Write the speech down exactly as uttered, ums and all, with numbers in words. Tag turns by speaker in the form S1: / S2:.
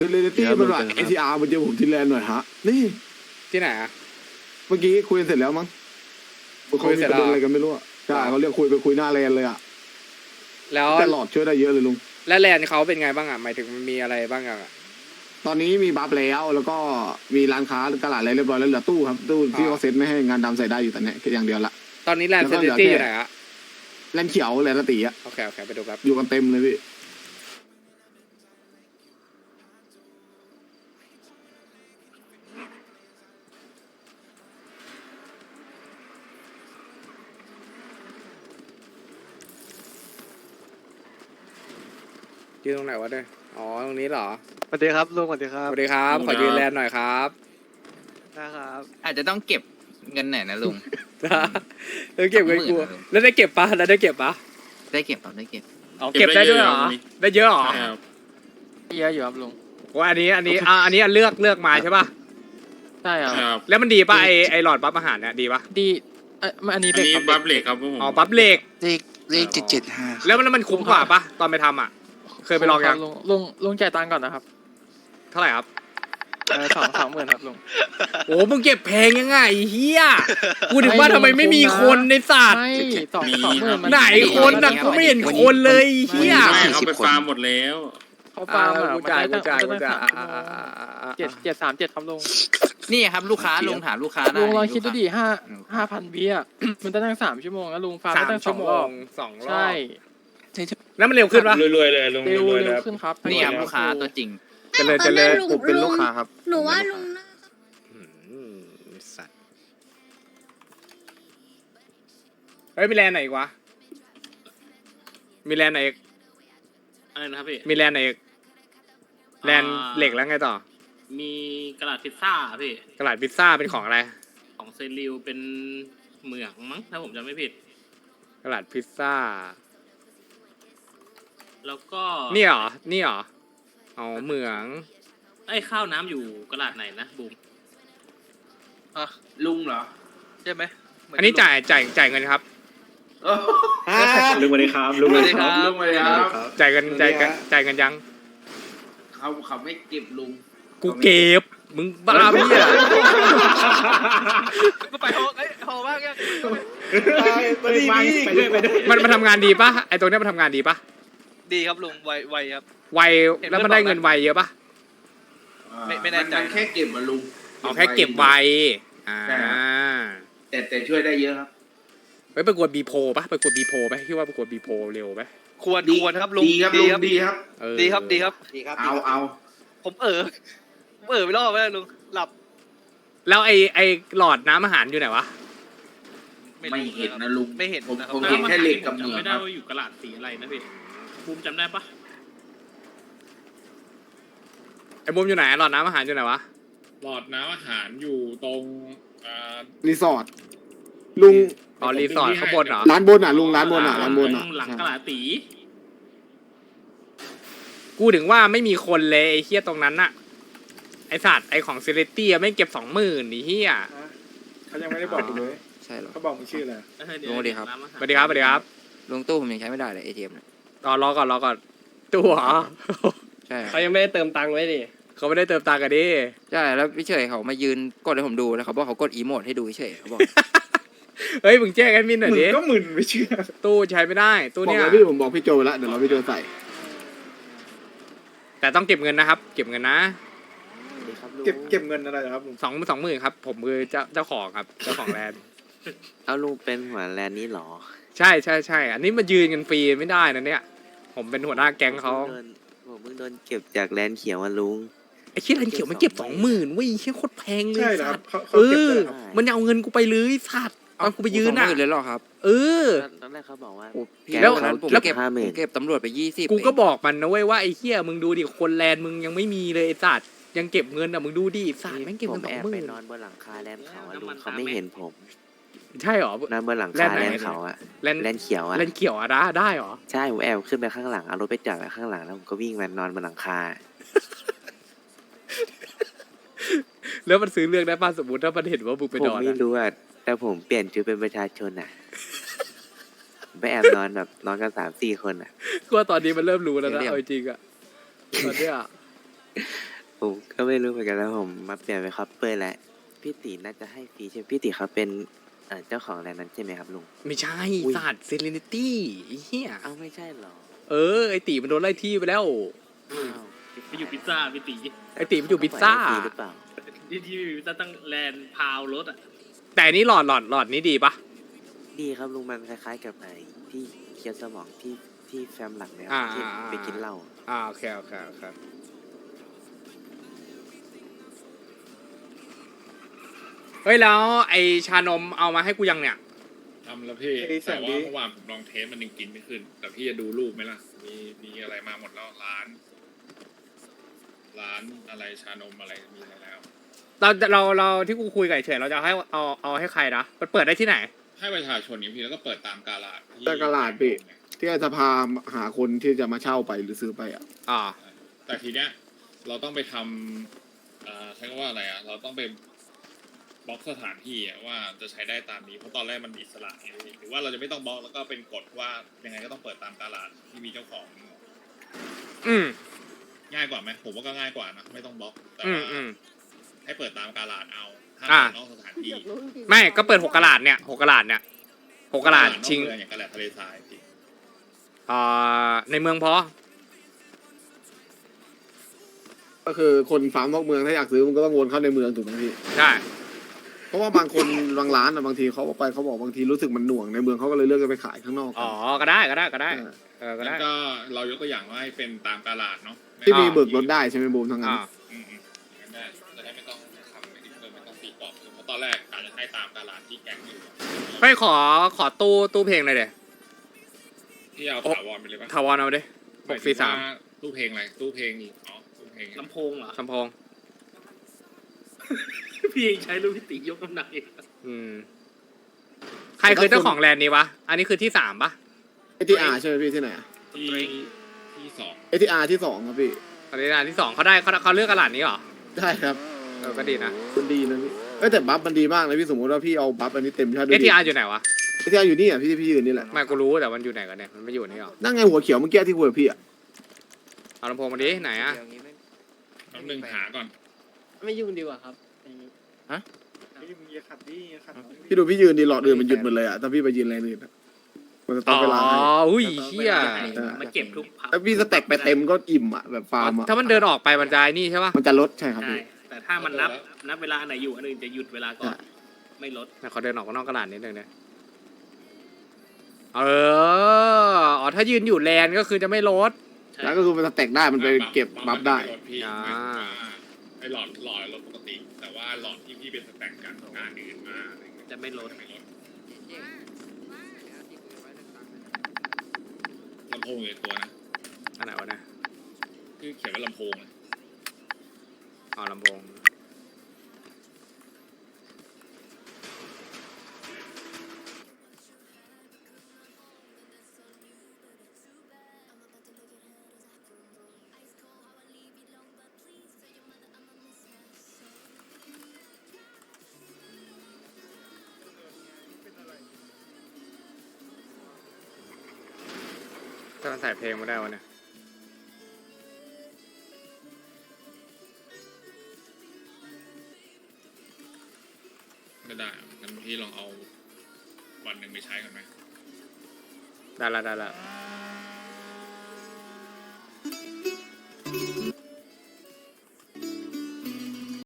S1: เรนตี้มันแบบเอทีอาร์มันเจอผมที่แลนด์หน่อยฮะนี่
S2: ที่ไหนอะ
S1: เมื่อกี้คุยเสร็จแล้วมั้งคุยเสร็จแล้วอะไรกันไม่รู้อ่ะใช่เขาเรียกคุยไปคุยหน้าแลนเลยอ่ะ
S2: แล้ว
S1: แต่หลอดช่วยได้เยอะเลยลุง
S2: แล้วแลนด์เขาเป็นไงบ้างอะหมายถึงมันมีอะไรบ้างอะ
S1: ตอนนี้มีบัฟแล้วแล้วก็มีร้านค้าตลาดอะไรเรียบร้อยแล้วเหลือตู้ครับตู้ที่เขาเซ็ตไม่ให้งานดำใส่ได้อยู่แต่เนี้ยแค่อย่างเดียวละ
S2: ตอนนี้แลนด์เซนตี้อยู่ไหนอะ
S1: แลนเขียวแลนตีอ่ะ
S2: โอเคโอเคไปดูครับ
S1: อยู่กันเต็มเลยพี่
S2: ยืนตรงไหนวะเนี่ยอ๋อตรงนี้เหรอ
S3: สวัสดีครับลุงสวัสดีครับ
S2: สวัสดีครับขอยืนแลนด์หน่อยครับ
S3: นะครับ
S4: อาจจะต้องเก็บเงินหน่อยนะลุง
S2: แล้วเก็บเงินกูแล้วได้เก็บปะแล้วได้เก็บปะ
S4: ได้เก็บครับได้เก็บ
S2: อ๋อเก็บได้ด้วยเหรอได้เยอะเหรอ
S3: เยอะอยู่ครับลุง
S2: ว่าอันนี้อันนี้อ่าอันนี้เลือกเลือกมาใช่ปะ
S3: ใช่ครับ
S2: แล้วมันดีปะไอไอหลอดบัฟอาหารเนี่ยดีปะ
S3: ดีเอออันนี้เป็น
S5: บัฟเล็กครับผม
S2: อ๋อบัฟเล็ก
S6: เลขเลขเจ็ดเจ็ดห้า
S2: แล้วมันมันคุ้มกว่าปะตอนไปทำอ่ะเคยไปลองยัง
S3: ลุงลุงลุงจ่ายตังค์ก่อนนะครับ
S2: เท่าไหร่ครับ
S3: เออสองสองหมื่นครับลุง
S2: โอ้มึงเก็บแพงยังไงเฮียกูถึงว่าทำไมไม่มีคนในศาสตร์
S3: ไม่สองสองหมื่น
S2: ไหนคนน่ะกูไม่เห็นคนเลยเฮีย
S5: เขาไปฟาร์มหมดแล้ว
S3: เขาฟาร์มอ่ะ
S2: กูจ่ายกูจ่ายกูจ่าย
S3: เจ็ดเจ็ดสามเจ็ดครับลุง
S4: นี่ครับลูกค้าลุงถามลูกค้า
S3: ลุงลองคิดดูดิห้าห้าพันวิอ่ะมันจะนั่งสามชั่วโมงแล้วลุงฟาร์มได้ตั้งสองรอบ
S2: สองรอบ
S3: ใช่
S2: แล้วมันเร็วขึ้นปะ
S5: รวยๆเลยลุง
S3: เร็วเร็วขึ้นครับ
S4: นี่ครับลูกค้าตัวจริง
S2: เจริญเจริญผมเป็นลูกค้าครับ
S7: หนูว่าลุงน่า
S2: สัตว์เฮ้ยมีแลนด์ไหนอีกวะมีแลนด์ไหนอีก
S5: อะไรนะครับพี่
S2: มีแลนด์ไหนอีกแลนด์เหล็กแล้วไงต่อ
S5: มีกระดาษพิซซ่าพี่
S2: กระดาษพิซซ่าเป็นของอะไร
S5: ของเซริลเป็นเหมืองมั้งถ้าผมจำไม่ผิด
S2: กระดาษพิซซ่า
S5: แล้วก็
S2: นี่เหรอนี่เหรออ๋อเหมือง
S5: ไอ้ข้าวน้ำอยู่กระดาษไหนนะบูม
S4: อ่ะลุงเหรอใช่ไหม
S2: อันนี้จ่ายจ่ายจ่ายเงินครับ
S5: ลุงสวัสดีครับลุงสวัสดีครับลุงสวัสดีครับ
S2: จ่ายเงินจ่ายจ่ายเงินยัง
S4: เขาเขาไม่เก็บลุง
S2: กูเก็บมึงบ้าพี่อ่ะ
S3: ก็ไปโฮไอ้โฮบ้างยัง
S2: ไปด้วยไปด้วยมันมันทำงานดีปะไอตัวเนี้ยมันทำงานดีปะ
S3: ดีครับลุงไวไวครับ
S2: ไวแล้วมันได้เงินไวเยอะปะ
S4: ไม่ไม่แน่ใจแค่เก็บมาลุง
S2: อ๋อแค่เก็บไวอ่า
S4: แต่แต่ช่วยได้เยอะครับ
S2: ไปประกวดบีโพปะประกวดบีโพไหมคิดว่าประกวดบีโพเร็วไหม
S3: ควรควรครับลุง
S4: ดีครับลุงดีครับ
S3: ดีครับดีครับ
S4: ดีครับเอาเอา
S3: ผมเออผมเออไปรอบไปแล้วลุงหลับ
S2: แล้วไอไอหลอดน้ำอาหารอยู่ไหนวะ
S4: ไม่เห็นนะลุง
S3: ไม่เห็น
S4: ผมผมเห็นแค่เหล็กกับเหมือง
S5: ไม่ได้ว่าอยู่กระดาษสีอะไรนะพี่บูมจำได้ปะ
S2: ไอบูมอยู่ไหนหลอดน้ำอาหารอยู่ไหนวะ
S5: หลอดน้ำอาหารอยู่ตรง
S1: รีสอร์ทลุง
S2: อ๋อรีสอร์ทข้างบนเหรอ
S1: ร้านบนอ่ะลุงร้านบนอ่ะร้านบนอ่ะ
S5: หลังกระดาษตี
S2: กูถึงว่าไม่มีคนเลยไอเฮียตรงนั้นน่ะไอสัตว์ไอของเซเลตี้ไม่เก็บสองหมื่นนี่เฮีย
S6: เขายังไม่ได้บอกเลยใช่หรอเขาบอกมึงชื่ออะไร
S2: ลุงสวัสดีครับสวัสดีครับสวัสดีครับ
S6: ลุงตู้ผมยังใช้ไม่ได้เลยเอทีเอ็มเนี่ย
S2: รอรอก่อนรอก่อนตู้เหรอ
S6: ใช่
S3: เขายังไม่ได้เติมตังค์ไว้ดิ
S2: เขาไม่ได้เติมตังค์กันดิ
S6: ใช่แล้วพี่เฉยเขามายืนกดให้ผมดูแล้วเขาบอกเขากดอีโมดให้ดูเฉยเขาบอก
S2: เฮ้ยมึงแจ้งแอดมินหน่อยดิ
S1: ก็มึนไม่เชื่อ
S2: ตู้ใช้ไม่ได้ตู้เนี้ย
S1: พี่ผมบอกพี่โจแล้วเดี๋ยวเราพี่โจใส่
S2: แต่ต้องเก็บเงินนะครับเก็บเงินนะ
S1: เก็บเก็บเงินอะไรครับ
S2: สองสองหมื่นครับผมคือเจ้าเจ้าของครับเจ้าของแลนด์
S4: เอาลุงเป็นหัวแลนด์นี้หรอ
S2: ใช่ใช่ใช่อันนี้มายืนกันฟรีไม่ได้นะเนี่ยผมเป็นหัวหน้าแก๊งเขา
S4: ผมเพิ่งโดนเก็บจากแลนด์เขียวมาลุง
S2: ไอ้คิดแลนด์เขียวมันเก็บสองหมื่นวิ่งแค่โคตรแพงเลยสัตว์เออมันเอาเงินกูไปเลยสัตว์ตอนกูไปยืนอ่ะ
S6: เลยหรอครับ
S2: เออ
S4: ตอนแรกเขาบอกว่า
S2: แล้ว
S6: แล้วเก็บเก็บตำรวจไปยี่สิบ
S2: กูก็บอกมันนะเว้ยว่าไอ้เหี้ยมึงดูดิคนแลนด์มึงยังไม่มีเลยไอ้สัตว์ยังเก็บเงินอ่ะมึงดูดิสัตว์แม่งเก็บเงินสองหมื่น
S4: ไปนอนบนหลังคาแลนด์เขาลุงเขาไม่เห็นผม
S2: ใช่หรอน
S4: อนบนหลังคาแลนด์เขาอะแลนด์เขียวอะ
S2: แลนด์เขียวอะได้ได้หรอ
S4: ใช่ผมแอบขึ้นไปข้างหลังเอารถไปจอดไว้ข้างหลังแล้วผมก็วิ่งมานอนบนหลังคา
S2: แล้วมันซื้อเรื่องได้ป่ะสมมติถ้ามันเห็นว่ามึงไปนอน
S4: ผมไม่รู้อะแต่ผมเปลี่ยนชุดเป็นประชาชนอะไปแอบนอนแบบนอนกันสามสี่คนอะ
S2: ก็ตอนนี้มันเริ่มรู้แล้วนะเอาจริงอะตอนเนี้ย
S4: ผมก็ไม่รู้เหมือนกันแล้วผมมาเปลี่ยนเป็นคัพเปอร์แล้วพี่ตีน่าจะให้ฟรีใช่ไหมพี่ตีเขาเป็นเอ่อเจ้าของแลนด์นั้นใช่ไหมครับลุง
S2: ไม่ใช่
S4: อุ๊ย
S2: สัตว์เซเลนิตี้ไอ้เหี้ย
S4: เอ้าไม่ใช่เหรอ
S2: เออไอตีมันโดนไล่ที่ไปแล้ว
S4: อ้าว
S5: ไปอยู่พิซซ่าพี่ตี
S2: ไอตีมันอยู่พิซซ่า
S4: เขปล่อยให้ฟรีหรือเปล่า
S5: ที่ที่พิซซ่าตั้งแลนด์พาวรถอ่ะ
S2: แต่อันนี้หลอดหลอดหลอดนี้ดีปะ
S4: ดีครับลุงมันคล้ายๆกับไอ้ที่เคียวสมองที่ที่แฟมหลักเลยค
S2: อ่า
S4: รับที่
S2: อ่า
S4: ไปกินเหล้า
S2: อ่าโอเคโอเคโอเคเฮ้ยแล้วไอชานมเอามาให้กูยังเนี่ย
S7: ทำแล้วพี่
S1: ไอ้สั
S7: แต่
S1: ตว์
S7: ว่า
S1: ดิ
S7: เมื่อวานผมลองเทสมันยังกินไม่ขึ้น แต่พี่จะดูรูปไหมล่ะ มีมีอะไรมาหมดแล้วร้าน ร้านอะไรชานมอะไรมีอะไรแล้ว
S2: เราเราเราที่กูคุยกับไอ้เฉยเราจะให้เอาเอาให้ใครนะมันเปิดได้ที่ไหน
S7: ให้ประชาชนอย่างพี่แล้วก็เปิดตามกาลาดที่
S1: แต่กาลาดพี่ ที่จะพาหาคนที่จะมาเช่าไปหรือซื้อไปอ่ะ
S2: อ่า
S7: แต่ทีเนี้ยเราต้องไปทำเอ่อใช้คำว่าอะไรอ่ะ เราต้องไปบล็อกสถานที่อะว่าจะใช้ได้ตามนี้เพราะตอนแรกมันอิสระไงพี่หรือว่าเราจะไม่ต้องบล็อกแล้วก็เป็นกฎว่ายังไงก็ต้องเปิดตามกาลาดที่มีเจ้าของ
S2: อืม
S7: ง่ายกว่าไหมผมว่าก็ง่ายกว่านะไม่ต้องบล็อกแต่
S2: อืม
S7: ว่า
S2: อืม
S7: ให้เปิดตามกาลาดเอาห้าม
S2: อ่า
S7: เปิดนอกสถานที่
S2: ไม่ก็เปิดหกกะลาดเนี่ยหกกะลาดเนี่ยหกกะลาดชิง
S7: นอกเมืออย่างกาลาดทะเลทรายพี่
S2: อ่าในเมืองพอ
S1: ก็คือคนฟาร์มนอกเมืองถ้าอยากซื้อมันก็ต้องวนเข้าในเมืองถูกไหมพี่
S2: ใช่
S1: เพราะว่าบางคนบางร้านอะบางทีเขาเอาไปเขาบอกบางทีรู้สึกมันหน่วงในเมืองเขาก็เลยเลือกจะไปขายข้างนอก
S2: อ๋อก็ได้ก็ได้ก็ได้
S1: อ่า
S2: เออก็
S7: งั้
S2: ได้
S7: นก็เรายกตัวอย่างว่าให้เป็นตามกาลาดเนาะ
S1: ที่มี
S2: อ่า
S1: เบิกรถได้ใช่ไหมบูมทั้งนั้น
S2: อ่า
S7: อืมๆงั้นได้จะได้ไม่ต้องทำไม่ได้เพิ่มไม่ต้องตีกรอบเพราะตอนแรกอาจจะให้ตามกาลาดที่แก๊งอยู่
S2: ไปขอขอตู้ตู้เพลงหน่อยเดี๋ย
S7: ที่เอาถาวรไปเลยปะ
S2: ถาวรเอาดิหกสี่สาม
S7: หยถึงว่ตู้เพลงอะไรตู้เพลงอ๋อตู้เพลง
S5: ลำโพงเหรอ
S2: ลำโพง
S5: พี่ยังใช้ลูกพี่ตียกน้ำหนักอีก
S2: อืมใครคือเจ้าของแลนด์นี้วะอันนี้คือที่สามปะ
S1: เอทีอาร์ใช่ไหมพี่ที่ไหน
S7: ที่ที่สอง
S1: เอทีอาร์ที่สองครับพี่
S2: อันนี้อันที่สองเขาได้เขาเขาเลือกกะลาดนี้เหรอ
S1: ใช่ครับ
S2: เออก็ดีนะ
S1: มันดีนะพี่เอ้ยแต่บัฟมันดีมากนะพี่สมมติว่าพี่เอาบัฟอันนี้เต็มใช่ไหม
S2: เอทีอาร์อยู่ไหนวะ
S1: เอทีอาร์อยู่นี่อ่ะพี่พี่ยืนนี่แหละ
S2: ไม่กูรู้แต่มันอยู่ไหนกันเนี่ยมันไม่อยู่นี่หรอ
S1: นั่งไงหัวเขียวเมื่อกี้ที่คุยกับพี่อ่ะ
S2: เอาลำโพงมาดิไหนอะ
S6: เดี๋ยวนี้ไม่
S7: น้ำหนึ่งหาก่อน
S5: ไม่ยุ่งดีกว่าครับ
S1: พี่ดูพี่ยืนดีหลอดอื่นมันหยุดหมดเลยอ่ะถ้าพี่ไปยืนแรงอื่นอะมันจะต้
S2: อ๋
S1: อง
S2: อ
S1: เวลาให้
S2: อุ้ยเฮีย
S5: มาเก็บทุกพั
S1: ถ้าพี่สเต็ปไปเต็มก็อิ่มอ่ะแบบฟาร์มอ่ะ
S2: ถ้ามันเดินออกไปมันจะไอ้นี่ใช่ปะ
S1: มันจะลดใช่ครับ
S5: ใช่
S1: พี่
S5: แต่ถ้ามันนับนับเวลาอันไหนอยู่อันอื่นจะหยุดเวลาก่อน ไม่ลด
S2: ไหนเขาเดินออกนอกกระดาษนิดนึงเนี่ยเอออ๋อถ้ายืนอยู่แลนก็คือจะไม่ลด
S5: ใช่
S1: แล้วก็คือมันสเต็กได้มันไปเก็บบัฟได้
S7: พี่
S2: อ่า
S7: ไอหลอดหลอดรถปกติ แต่ว่าหลอดที่พี่เป็นสแต็กกันงานอื่นมาอะไรเงี้ย
S5: จะไม่ลด
S7: ไม่ลดลำโพงอยู่ในตัวนะ
S2: อันไหนวะเนี่ย
S7: คือเขียนว่าลำโพงเลย
S2: อ๋อลำโพงถ้ามันใส่เพลงมาได้วะเนี่ย
S7: ก็ได้งั้นพี่ลองเอาวันหนึ่งไปใช้กันไหม
S2: ได้ละได้ละ
S7: ไ